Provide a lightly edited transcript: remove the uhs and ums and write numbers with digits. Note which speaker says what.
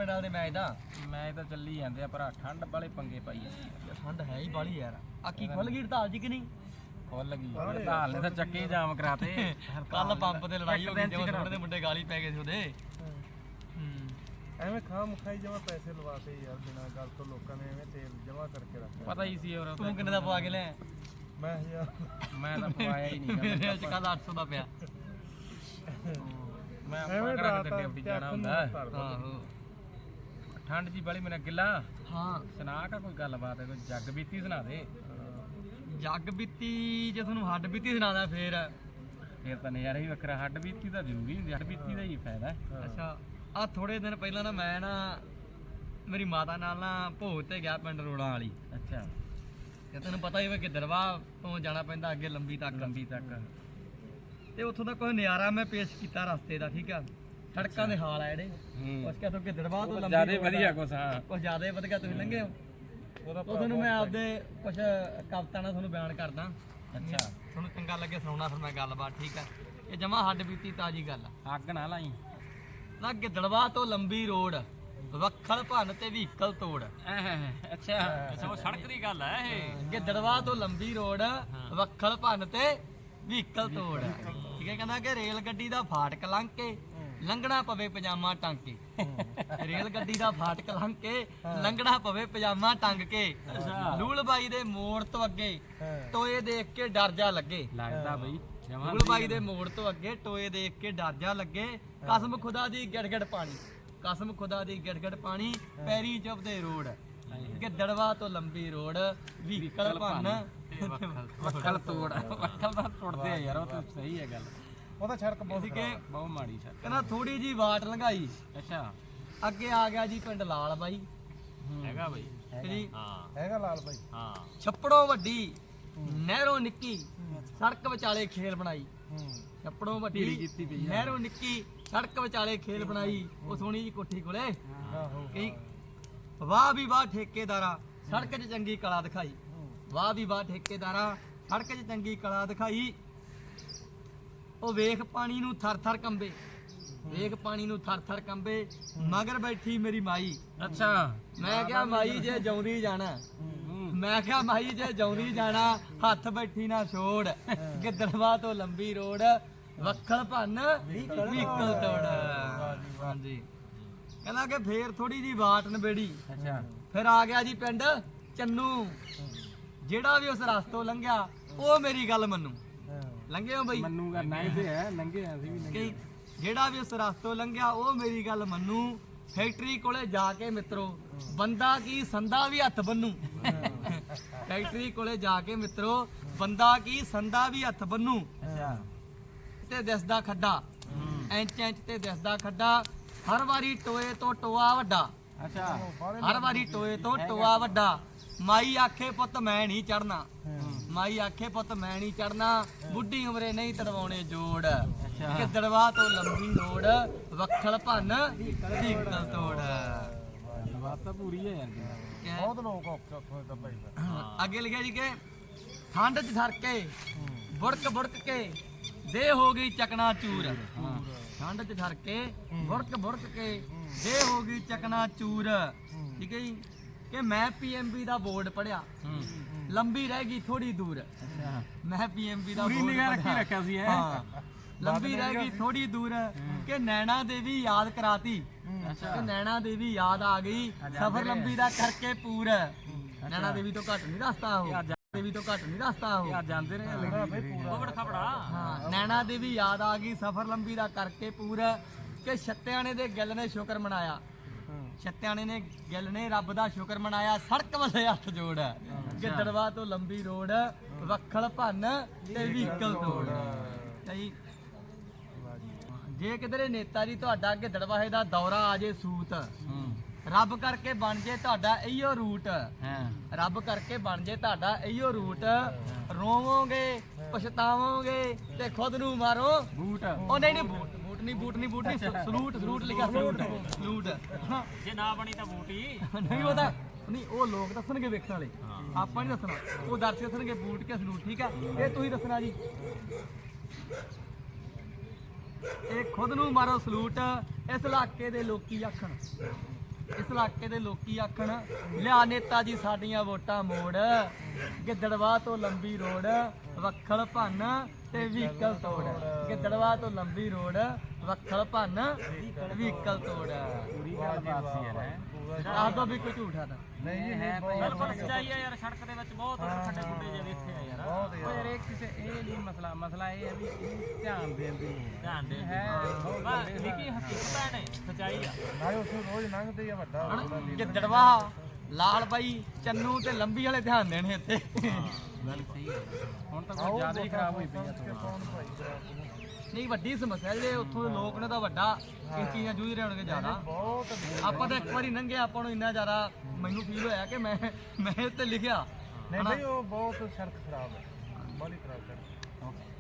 Speaker 1: ਪਿੰਡ ਵਾਲੇ ਮੈਚ ਦਾ?
Speaker 2: ਮੈਚ ਤਾਂ ਚੱਲੀ ਜਾਂਦੇ ਆ ਭਰਾ, ਠੰਡ ਵਾਲੇ ਪੰਗੇ ਪਾਈ ਜਾਂਦੀ ਆ।
Speaker 1: ਠੰਡ ਹੈ ਹੀ ਬਾਲੀ ਯਾਰ। ਆ ਕੀ ਖੁੱਲ ਗਈ ਹੜਤਾਲ ਜੀ ਕਿ ਨਹੀਂ?
Speaker 2: ਖੁੱਲ ਗਈ ਹੜਤਾਲ ਨੇ ਤਾਂ ਚੱਕੇ ਜਾਮ ਕਰਾਤੇ।
Speaker 1: ਕੱਲ ਪੰਪ ਤੇ ਲੜਾਈ ਹੋ ਗਈ, ਜਿਵੇਂ ਥੋੜੇ ਦੇ ਮੁੰਡੇ ਗਾਲੀ ਪੈ ਗਏ ਸੀ ਉਹਦੇ।
Speaker 3: ਐਵੇਂ ਖਾ ਮੁਖਾਈ ਜਮਾ ਪੈਸੇ ਲਵਾਤੇ ਯਾਰ, ਬਿਨਾਂ ਗੱਲ ਤੋਂ ਲੋਕਾਂ ਨੇ ਐਵੇਂ ਤੇਲ ਜਮਾ ਕਰਕੇ ਰੱਖਿਆ।
Speaker 2: ਪਤਾ ਹੀ ਸੀ ਹੋਰ।
Speaker 1: ਤੂੰ ਕਿੰਨੇ ਦਾ ਪਵਾ ਕੇ ਲਿਆ?
Speaker 3: ਮੈਂ ਯਾਰ
Speaker 2: ਮੈਂ ਤਾਂ ਪਵਾਇਆ ਹੀ ਨਹੀਂ।
Speaker 1: ਮੇਰੇ ਅੱਜ ਕੱਲ 800 ਦਾ ਪਿਆ।
Speaker 2: ਮੈਂ ਆਪਣਾ ਕਰਾ ਕੇ ਡਿਊਟੀ ਜਾਣਾ ਹੁੰਦਾ।
Speaker 1: ਆਹੋ
Speaker 2: ਠੰਡ ਜੀ ਵਾਲੀ ਮੇਰਾ ਗਿੱਲਾ।
Speaker 1: ਹਾਂ
Speaker 2: ਸੁਣਾ ਕਾ ਕੋਈ ਗੱਲਬਾਤ ਹੈ, ਕੋਈ ਜੱਗ ਬੀਤੀ ਸੁਣਾ ਦੇ।
Speaker 1: ਜੱਗ ਬੀਤੀ ਜੇ ਤੁਹਾਨੂੰ ਹੱਡ ਬੀਤੀ ਸੁਣਾਦਾ ਫੇਰ
Speaker 2: ਤਾਂ ਨਜ਼ਾਰਾ ਹੀ ਵੱਖਰਾ। ਹੱਡ ਬੀਤੀ ਤਾਂ ਜ਼ਰੂਰੀ ਹੁੰਦੀ, ਹੱਡ ਬੀਤੀ ਦਾ ਹੀ ਫਾਇਦਾ।
Speaker 1: ਅੱਛਾ ਆ ਥੋੜੇ ਦਿਨ ਪਹਿਲਾਂ ਨਾ ਮੈਂ ਨਾ ਮੇਰੀ ਮਾਤਾ ਨਾਲ ਨਾ ਭੋਗ ਤੇ ਗਿਆ ਪਿੰਡ ਰੋੜਾਂ ਵਾਲੀ।
Speaker 2: ਅੱਛਾ
Speaker 1: ਤੇ ਤੈਨੂੰ ਪਤਾ ਹੀ ਵਾ ਗਿੱਦੜਵਾ ਤੋਂ ਜਾਣਾ ਪੈਂਦਾ ਅੱਗੇ ਲੰਬੀ ਤੱਕ। ਤੇ ਉੱਥੋਂ ਦਾ ਕੋਈ ਨਜ਼ਾਰਾ ਮੈਂ ਪੇਸ਼ ਕੀਤਾ ਰਸਤੇ ਦਾ। ਠੀਕ ਆ, ਸੜਕਾਂ ਦੇ ਹਾਲ ਆ ਜਿਹੜੇ ਕੁਛ ਕਿਥੋਂ ਗਿੱਦੜਵਾ ਤੋਂ ਲੰਬੀ
Speaker 2: ਜਿਆਦਾ ਵਧੀਆ ਕੁਛ। ਹਾਂ
Speaker 1: ਕੁਛ ਜ਼ਿਆਦਾ ਵਧੀਆ। ਤੁਸੀਂ ਲੰਘੇ ਹੋ ਉਹ ਤੁਹਾਨੂੰ ਮੈਂ ਆਪਦੇ ਕੁਛ ਕਵਿਤਾ ਨਾਲ ਤੁਹਾਨੂੰ ਬਿਆਨ ਕਰਦਾ।
Speaker 2: ਅੱਛਾ
Speaker 1: ਤੁਹਾਨੂੰ ਚੰਗਾ ਲੱਗੇ ਸੁਣਾਉਣਾ ਫਿਰ ਮੈਂ ਗੱਲਬਾਤ। ਠੀਕ ਆ, ਇਹ ਜਮਾ ਹੱਡ ਬੀਤੀ ਤਾਜ਼ੀ ਗੱਲ ਆ।
Speaker 2: ਅੱਗ ਨਾ ਲਾਈ
Speaker 1: ਨਾ ਗਿੱਦੜਵਾ ਤੋਂ ਲੰਬੀ ਰੋਡ, ਵੱਖਲ ਭੰਨ ਤੇ ਵਹੀਕਲ ਤੋੜ।
Speaker 2: ਅੱਛਾ ਅੱਛਾ, ਉਹ ਸੜਕ ਦੀ ਗੱਲ ਹੈ ਇਹ।
Speaker 1: ਗਿੱਦੜਵਾ ਤੋਂ ਲੰਬੀ ਰੋਡ, ਵੱਖਲ ਭੰਨ ਤੇ ਵਹੀਕਲ ਤੋੜ। ਠੀਕ ਹੈ, ਕਹਿੰਦਾ ਕਿ ਰੇਲ ਗੱਡੀ ਦਾ ਫਾਟਕ ਲੰਘ ਕੇ ਲੰਘਣਾ ਪਵੇ ਪਜਾਮਾ ਟੰਗ ਕੇ। ਰੇਲ ਗੱਡੀ ਦਾ ਫਾਟਕ ਲੰਘ ਕੇ ਲੰਘਣਾ ਪਵੇ ਪਜਾਮਾ ਟੰਗ ਕੇ। ਲੂਲ ਬਾਈ ਦੇ ਮੋੜ ਤੋਂ ਅੱਗੇ ਟੋਏ ਦੇਖ ਕੇ ਡਰ ਜਾ ਲੱਗੇ।
Speaker 2: ਲੱਗਦਾ ਬਈ
Speaker 1: ਲੂਲ ਬਾਈ ਦੇ ਮੋੜ ਤੋਂ ਅੱਗੇ ਟੋਏ ਦੇਖ ਕੇ ਡਰ ਜਾ ਲੱਗੇ। ਕਸਮ ਖੁਦਾ ਦੀ ਗਿੜਗੜ ਪਾਣੀ, ਕਸਮ ਖੁਦਾ ਦੀ ਗਿੜਗੜ ਪਾਣੀ, ਪੈਰੀ ਚੁੱਭਦੇ ਰੋਡ। ਗਿੱਦੜਵਾ ਤੋਂ ਲੰਬੀ ਰੋਡ, ਵਹੀਕਲ ਭੰਨ
Speaker 2: ਵੱਖਲ ਤੋੜ। ਵੱਖਲ ਤਾਂ ਟੁੱਟਦੇ ਆ ਯਾਰ, ਉਹ ਤਾਂ ਸਹੀ ਹੈ ਗੱਲ।
Speaker 3: ਉਹ ਤਾਂ ਸੜਕ ਬਹੁਤ
Speaker 2: ਬਹੁਤ ਮਾੜੀ ਸੜਕ।
Speaker 1: ਕਹਿੰਦਾ ਥੋੜੀ ਜੀ ਵਾਟ ਲੰਘਾਈ,
Speaker 2: ਅੱਛਾ
Speaker 1: ਅੱਗੇ ਆ ਗਿਆ ਜੀ ਪਿੰਡ ਲਾਲ ਬਾਈ।
Speaker 2: ਹੈਗਾ ਬਈ
Speaker 1: ਜੀ
Speaker 3: ਹੈਗਾ ਲਾਲ ਬਾਈ।
Speaker 2: ਹਾਂ
Speaker 1: ਛੱਪੜੋਂ ਵੱਡੀ ਨਹਿਰੋਂ ਨਿੱਕੀ, ਸੜਕ ਵਿਚਾਲੇ ਖੇਲ ਬਣਾਈ। ਛੱਪੜੋਂ ਵੱਡੀ ਨਹਿਰੋਂ ਨਿੱਕੀ, ਸੜਕ ਵਿਚਾਲੇ ਖੇਲ ਬਣਾਈ। ਉਹ ਸੋਹਣੀ ਜੀ ਕੋਠੀ ਕੋਲੇ ਕਈ ਵਾਹ ਵੀ ਵਾਹ ਠੇਕੇਦਾਰਾ, ਸੜਕ 'ਚ ਚੰਗੀ ਕਲਾ ਦਿਖਾਈ। ਵਾਹ ਵੀ ਵਾਹ ਠੇਕੇਦਾਰਾ, ਸੜਕ 'ਚ ਚੰਗੀ ਕਲਾ ਦਿਖਾਈ। ਉਹ ਵੇਖ ਪਾਣੀ ਨੂੰ ਥਰ ਥਰ ਕੰਬੇ, ਵੇਖ ਪਾਣੀ ਨੂੰ ਥਰ ਥਰ ਕੰਬੇ, ਮਗਰ ਬੈਠੀ ਮੇਰੀ ਮਾਈ।
Speaker 2: ਅੱਛਾ
Speaker 1: ਮੈਂ ਕਿਹਾ ਮਾਈ ਜੇ ਜਾਉਂਦੀ ਜਾਣਾ, ਮੈਂ ਕਿਹਾ ਮਾਈ ਜੇ ਜਾਉਂਦੀ ਜਾਣਾ, ਹੱਥ ਬੈਠੀ ਨਾ ਛੋੜ। ਗਿੱਦੜਵਾ ਤੋਂ ਲੰਬੀ ਰੋਡ, ਵੱਖਲ ਭੰਨ ਵਹੀਕਲ ਤੋੜ। ਹਾਂਜੀ, ਕਹਿੰਦਾ ਕਿ ਫੇਰ ਥੋੜੀ ਜੀ ਬਾਟ ਨਵੇੜੀ।
Speaker 2: ਅੱਛਾ
Speaker 1: ਫਿਰ ਆ ਗਿਆ ਜੀ ਪਿੰਡ ਚੰਨੂ। ਜਿਹੜਾ ਵੀ ਉਸ ਰਸਤੋਂ ਲੰਘਿਆ ਉਹ ਮੇਰੀ ਗੱਲ ਮੰਨੂ। ਲੰਘੇ ਹੋ ਬਈ?
Speaker 2: ਮੰਨੂਗਾ ਨਹੀਂ ਤੇ ਹੈ, ਲੰਘੇ ਅਸੀਂ ਵੀ ਲੰਘੇ।
Speaker 1: ਜਿਹੜਾ ਵੀ ਉਸ ਰਸਤੋਂ ਲੰਘਿਆ ਉਹ ਮੇਰੀ ਗੱਲ ਮੰਨੂ। ਫੈਕਟਰੀ ਕੋਲੇ ਜਾ ਕੇ ਮਿੱਤਰੋ ਬੰਦਾ ਕੀ ਸੰਦਾ ਵੀ ਹੱਥ ਬੰਨੂ। ਫੈਕਟਰੀ ਕੋਲੇ ਜਾ ਕੇ ਮਿੱਤਰੋ ਬੰਦਾ ਕੀ ਸੰਦਾ ਵੀ ਹੱਥ ਬੰਨੂ।
Speaker 2: ਅੱਛਾ
Speaker 1: ਤੇ ਦਿਸਦਾ ਖੱਡਾ, ਇੰਚ ਇੰਚ ਤੇ ਦਿਸਦਾ ਖੱਡਾ, ਹਰ ਵਾਰੀ ਟੋਏ ਤੋਂ ਟੋਆ ਵੱਡਾ।
Speaker 2: ਅੱਛਾ
Speaker 1: ਹਰ ਵਾਰੀ ਟੋਏ ਤੋਂ ਟੋਆ ਵੱਡਾ। ਮਾਈ ਆਖੇ ਪੁੱਤ ਮੈਂ ਨਹੀਂ ਚੜਨਾ, ਮਾਈ ਆਖੇ ਪੁੱਤ ਮੈਂ ਨਹੀਂ ਚੜਨਾ, ਬੁੱਢੀ ਉਮਰੇ ਨਹੀਂ ਤੜਵਾਉਣੇ ਜੋੜ। ਗਿੱਦੜਵਾ ਤੋਂ ਲੰਬੀ ਰੋਡ, ਵੱਖਲ ਭੰਨ ਵਹੀਕਲ ਤੋੜ।
Speaker 2: ਬਾਤ ਤਾਂ ਪੂਰੀ ਹੈ ਯਾਰ।
Speaker 3: ਬਹੁਤ ਲੋਕ ਉੱਥੋਂ ਦਾ ਭਾਈ।
Speaker 1: ਅੱਗੇ ਲਿਖਿਆ ਜੀ ਕਿ ਠੰਡ 'ਚ ਠਰ ਕੇ ਬੁੜਕ ਬੁੜਕ ਕੇ ਦੇ ਹੋ ਗਈ ਚਕਨਾ ਚੂਰ। ਠੰਡ 'ਚ ਠਰ ਕੇ ਬੁੜਕ ਬੁੜਕ ਕੇ ਦੇ ਹੋ ਗਈ ਚਕਨਾ ਚੂਰ। ਠੀਕ ਹੈ ਜੀ, ਕਿ ਮੈਂ ਪੀਐਮਬੀ ਦਾ ਬੋਰਡ ਪੜਿਆ, ਲੰਬੀ ਰਹਿ ਗਈ ਥੋੜੀ ਦੂਰ। ਮੈਂ ਪੀਐਮਬੀ ਦਾ
Speaker 2: ਪੂਰੀ ਨਿਗਾਹ ਰੱਖੀ ਰੱਖਿਆ ਸੀ ਇਹ।
Speaker 1: ਹਾਂ, ਲੰਬੀ ਰਹਿ ਗਈ ਥੋੜੀ ਦੂਰ, ਕਿ ਨੈਣਾ ਦੇਵੀ ਯਾਦ ਕਰਾਤੀ। ਕਿ ਨੈਣਾ ਦੇਵੀ ਯਾਦ ਆ ਗਈ, ਸਫ਼ਰ ਲੰਬੀ ਦਾ ਕਰਕੇ ਪੂਰ। ਨੈਣਾ ਦੇਵੀ ਤੋਂ ਘੱਟ ਨਹੀਂ ਰਸਤਾ ਉਹ, ਦੇਵੀ ਤੋਂ ਘੱਟ ਨਹੀਂ ਰਸਤਾ ਉਹ।
Speaker 2: ਜਾਂਦੇ ਰਹੇ
Speaker 1: ਉਹ ਖਬੜਾ। ਹਾਂ, ਨੈਣਾ ਦੇਵੀ ਯਾਦ ਆ ਗਈ, ਸਫ਼ਰ ਲੰਬੀ ਦਾ ਕਰਕੇ ਪੂਰ। ਕਿ ਛੱਤਿਆਣੇ ਦੇ ਗਿੱਲ ਨੇ ਸ਼ੁਕਰ ਮਨਾਇਆ, ਛੱਤਿਆਣੇ ਨੇ ਗਿੱਲ ਨੇ ਰੱਬ ਦਾ ਸ਼ੁਕਰ ਮਨਾਇਆ, ਸੜਕ ਵੱਲੇ ਹੱਥ ਜੋੜ। ਗਿੱਦੜਵਾ ਤੋਂ ਲੰਬੀ ਰੋਡ, ਵੱਖਲ ਭੰਨ ਤੇ ਵਹੀਕਲ ਤੋੜ। ਜੇ ਕਿਧਰੇ ਨੇਤਾ ਜੀ ਤੁਹਾਡਾ ਗਿੱਦੜਵਾਹੇ ਦਾ ਦੌਰਾ ਆ ਜੇ ਸੂਤ, ਰੱਬ ਕਰਕੇ ਬਣ ਜੇ ਤੁਹਾਡਾ ਇਹੀਓ ਰੂਟ। ਰੱਬ ਕਰਕੇ ਬਣ ਜੇ ਤੁਹਾਡਾ ਇਹੀਓ ਰੂਟ। ਰੋਵੋਗੇ ਪਛਤਾਵੋਗੇ ਤੇ ਖੁਦ ਨੂੰ ਮਾਰੋ ਬੂਟ। ਉਹ ਨਹੀਂ ਨਹੀਂ ਬੂਟ ਨਹੀਂ, ਬੂਟ ਨਹੀਂ, ਬੂਟ ਨਹੀਂ, ਸਲੂਟ, ਸਲੂਟ ਲਿਖਿਆ, ਸਲੂਟ ਸਲੂਟ।
Speaker 2: ਜੇ ਨਾ ਬਣੀ ਤਾਂ ਬੂਟ ਹੀ
Speaker 1: ਨਹੀਂ ਉਹਦਾ ਨਹੀਂ, ਉਹ ਲੋਕ ਦੱਸਣਗੇ ਵੇਖਣ ਵਾਲੇ, ਆਪਾਂ ਨਹੀਂ ਦੱਸਣਾ। ਉਹ ਦਰਸ਼ਕ ਦੱਸਣਗੇ ਬੂਟ ਕੇ ਸਲੂਟ। ਠੀਕ ਆ, ਇਹ ਤੁਸੀਂ ਦੱਸਣਾ ਜੀ। ਇਹ ਖੁਦ ਨੂੰ ਮਾਰੋ ਸਲੂਟ, ਇਸ ਇਲਾਕੇ ਦੇ ਲੋਕੀ ਆਖਣ। ਇਸ ਇਲਾਕੇ ਦੇ ਲੋਕੀ ਆਖਣ ਲਿਆ ਨੇਤਾ ਜੀ ਸਾਡੀਆਂ ਵੋਟਾਂ ਮੋੜ, ਗਿੱਦੜਵਾ ਤੋਂ ਲੰਬੀ ਰੋਡ ਵੱਖਲ ਭੰਨ ਤੇ ਵਹੀਕਲ ਤੋੜ, ਗਿੱਦੜਵਾ ਤੋਂ ਲੰਬੀ ਰੋਡ ਵੱਖਲ ਭੰਨ ਵਹੀਕਲ ਤੋੜ।
Speaker 2: ਪੂਰੀ ਗੱਲ ਬਾਤ ਸੀ ਯਾਰ ਹੈਂ।
Speaker 1: ਆਹ ਤਾਂ ਵੀ ਕੋਈ ਝੂਠਾ ਤਾਂ
Speaker 3: ਨਹੀਂ ਜੀ
Speaker 2: ਹੈ
Speaker 3: ਬਹੁਤ
Speaker 2: ਪਰ ਪਰ ਸੱਚਾਈ ਆ ਯਾਰ, ਸੜਕ ਦੇ ਵਿੱਚ ਬਹੁਤ ਖੱਡੇ ਖੁੱਡੇ ਜਿਹੇ ਵੇਖੇ ਆ ਯਾਰ।
Speaker 3: ਬਹੁਤ
Speaker 2: ਉਹ ਯਾਰ ਇਹ ਕਿਸੇ ਇਹ ਨਹੀਂ ਮਸਲਾ ਇਹ ਹੈ ਵੀ ਇਹਨੂੰ ਧਿਆਨ ਦੇਣ ਦੀ ਲੋੜ ਹੈ।
Speaker 4: ਧਿਆਨ ਦੇ
Speaker 2: ਹੈ ਬਹੁਤ
Speaker 4: ਬਸ
Speaker 2: ਗੰਦੇ
Speaker 4: ਨਿੱਕੀ ਹਕੀਕਤ ਨੇ, ਸੱਚਾਈ ਆ।
Speaker 3: ਨਾਲੇ ਉਸ ਨੂੰ ਰੋਜ਼ ਲੰਘਦੇ ਆ ਵੱਡਾ ਉਹਦਾ ਲੀਡਰ।
Speaker 1: ਗਿੱਦੜਵਾ ਲਾਲ ਬਾਈ ਚੰਨੂ ਤੇ ਲੰਬੀ ਵਾਲੇ ਧਿਆਨ ਦੇਣੇ ਇੱਥੇ।
Speaker 2: ਗੱਲ ਸਹੀ ਹੈ। ਹੁਣ ਤਾਂ ਕੋਈ ਜ਼ਿਆਦਾ ਹੀ ਖਰਾਬ ਹੋਈ ਪਈ ਆ
Speaker 3: ਕੌਣ ਭਾਈ ਖਰਾਬ?
Speaker 1: ਨਹੀਂ ਵੱਡੀ ਸਮੱਸਿਆ ਜਿਹੜੇ ਉੱਥੋਂ ਦੇ ਲੋਕ ਨੇ ਤਾਂ ਵੱਡਾ ਇਸ ਚੀਜ਼ਾਂ ਜੂਝ ਰਹੇ ਹੋਣਗੇ ਜ਼ਿਆਦਾ।
Speaker 3: ਬਹੁਤ
Speaker 1: ਆਪਾਂ ਤਾਂ ਇੱਕ ਵਾਰੀ ਲੰਘੇ, ਆਪਾਂ ਨੂੰ ਇੰਨਾ ਜ਼ਿਆਦਾ ਮੈਨੂੰ ਫੀਲ ਹੋਇਆ ਕਿ ਮੈਂ ਇਹ ਤੇ ਲਿਖਿਆ
Speaker 3: ਨਹੀਂ ਬਈ ਉਹ ਬਹੁਤ ਸੜਕ ਖਰਾਬ ਹੈ, ਬੜੀ ਖਰਾਬ ਸੜਕ।